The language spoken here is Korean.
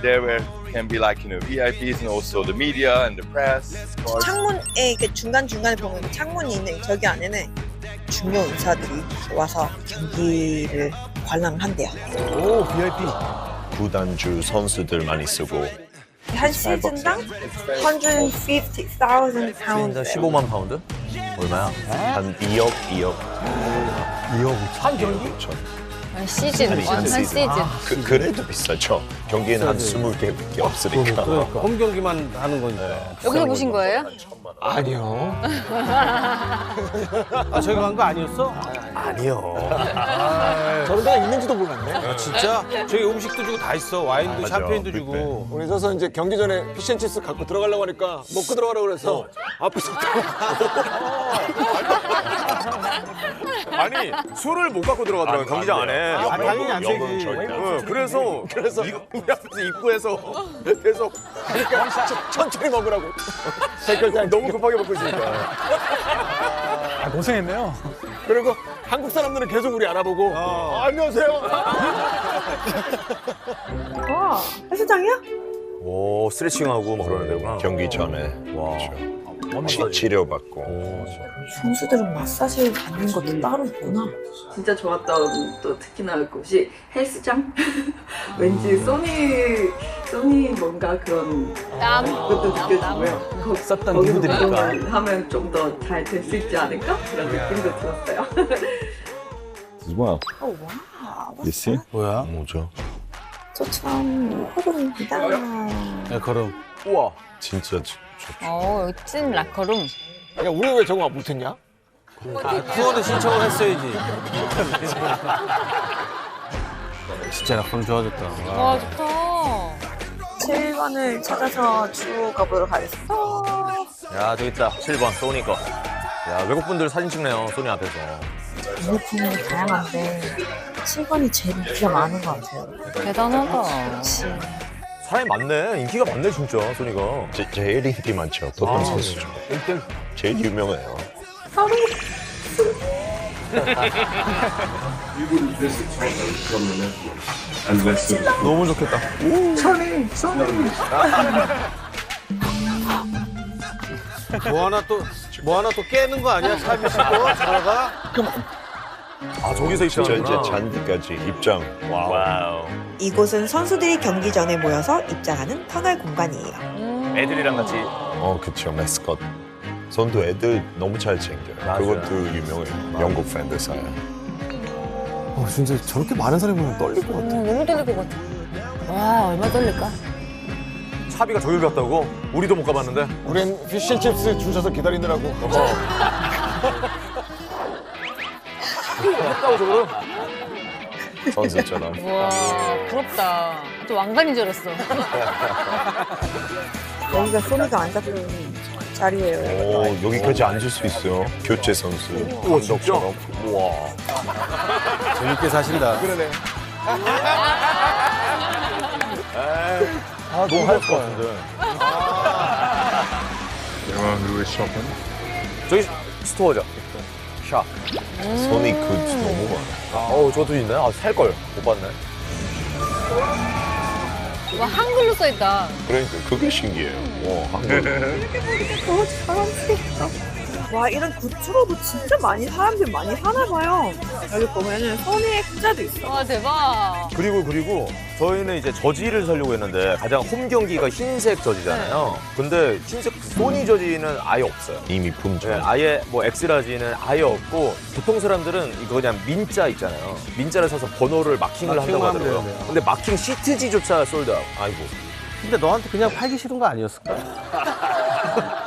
there where can be like VIPs and also the media and the press. 창문에 이렇게 중간중간에 보면 창문이 있는 저기 안에는 중요 인사들이 와서 경기를 관람을 한대요. 오, VIP. 구단주 선수들 많이 쓰고 한 시즌당 150,000 파운드. 15만 파운드? 얼마야? 한 2억, 2억. 2억 한 경기? 그렇죠. 한 시즌, 한 시즌. 그래도 비싸죠. 경기에는 한 20개밖에 없으니까. 그러니까 홈 경기만 하는 거니까. 여기서 보신 거예요? 아니요. 아, 저기 간 거 아니었어? 아니요. 저런 데가 있는지도 몰랐네. 아, 진짜? 저기 음식도 주고 다 있어. 와인도 맞아. 샴페인도 주고. 우리 서서 이제 경기 전에 피쉬앤칩스 갖고 들어가려고 하니까 먹고 들어가라고 그래서 앞에서 아니, 술을 못 갖고 들어가더라고요, 경기장 안에. 아, 당연히 안 영어는 되지. 절대 안 응, 그래서 우리 앞에서 입구에서 계속 그러니까 천천히 먹으라고. 댓글장 너무 급하게 먹고 있으니까. 고생했네요. 그리고 한국 사람들은 계속 우리 알아보고 안녕하세요. 와, 헬스장이야? 오, 스트레칭하고 막 그러는 데구나. 경기 전에 와. 치료받고. 선수들은 마사지 받는 것도 따로 있구나. 진짜 좋았던 또 특히나 곳이 헬스장. 왠지 소니 뭔가 그런 땀. 것도 느껴지고요. 썼던 거기서 누구들이니까. 그런 걸 하면 좀 더 잘 될 수 있지 않을까 그런 느낌도 들었어요. As well. 오, 와. You see? 뭐야? 뭐죠? 저처럼 호흡입니다. 네, 걸음. 우와. 진짜 좋죠. 어, 여기 찐 라커룸. 야, 우리 왜 저거 못했냐? 투어도 신청을 했어야지. 진짜 라커룸 좋아졌다. 와, 좋다. 7번을 찾아서 쭉 가보도록 하겠습니다. 야, 저기 있다. 7번, 소니 거. 야, 외국분들 사진 찍네요, 소니 앞에서. 유니폼이 다양한데 7번이 제일 인기가 많은 것 같아요. 대단하다. 사람이 많네. 인기가 많네, 진짜, 소니가. 제일 인기 많죠. 어떤 선수 중. 제일 유명해요. 너무 좋겠다. 뭐 하나 또 깨는 거 아니야? 사비 씨도 들어가? 아, 저기서 저 이제 입장하구나. 잔디까지 입장. 와우. 이곳은 선수들이 경기 전에 모여서 입장하는 터널 공간이에요. 애들이랑 같이. 그쵸. 메스컷. 선도 애들 너무 잘 챙겨요. 맞아요. 그것도 유명해요. 영국 팬들 사이에. 진짜 저렇게 많은 사람이 보면 떨릴 것 같아. 너무 떨릴 것 같아. 와, 얼마나 떨릴까? 차비가 저길 갔다고? 우리도 못 가봤는데. 우린 피쉬앤칩스 줄 서서 기다리느라고. 갔다고 저거를? 선수처럼. 와, 부럽다. 또 왕관인 줄 알았어. 여기가 소니가 앉았던 자리예요. 오, 여기까지 앉을 수 있어요. 교체 선수. 우와, 진짜? 감독처럼. 우와. 재밌게 사신다. 그러네. 아, 너무 할 것 같은데. 저기 스토어죠. 샵. 손이 너무 많아. 어우, 저것도 있네. 아, 살걸. 못 봤네. 와, 한글로 써있다. 그러니까 그게 신기해요. 와, 한국. 와, 이런 굿즈로도 진짜 사람들 많이 사나 봐요. 여기 보면은 소니의 글자도 있어. 와, 대박. 그리고 저희는 이제 저지를 사려고 했는데 가장 홈 경기가 흰색 저지잖아요. 근데 흰색 소니 저지는 아예 없어요. 이미 품절. 네, 아예 뭐 엑스라지는 아예 없고 보통 사람들은 이거 그냥 민자 있잖아요. 민자를 사서 번호를 마킹을 한다고 마킹만 하더라고요. 하면 되는데요. 근데 마킹 시트지조차 솔드아웃. 아이고. 근데 너한테 그냥 팔기 싫은 거 아니었을까?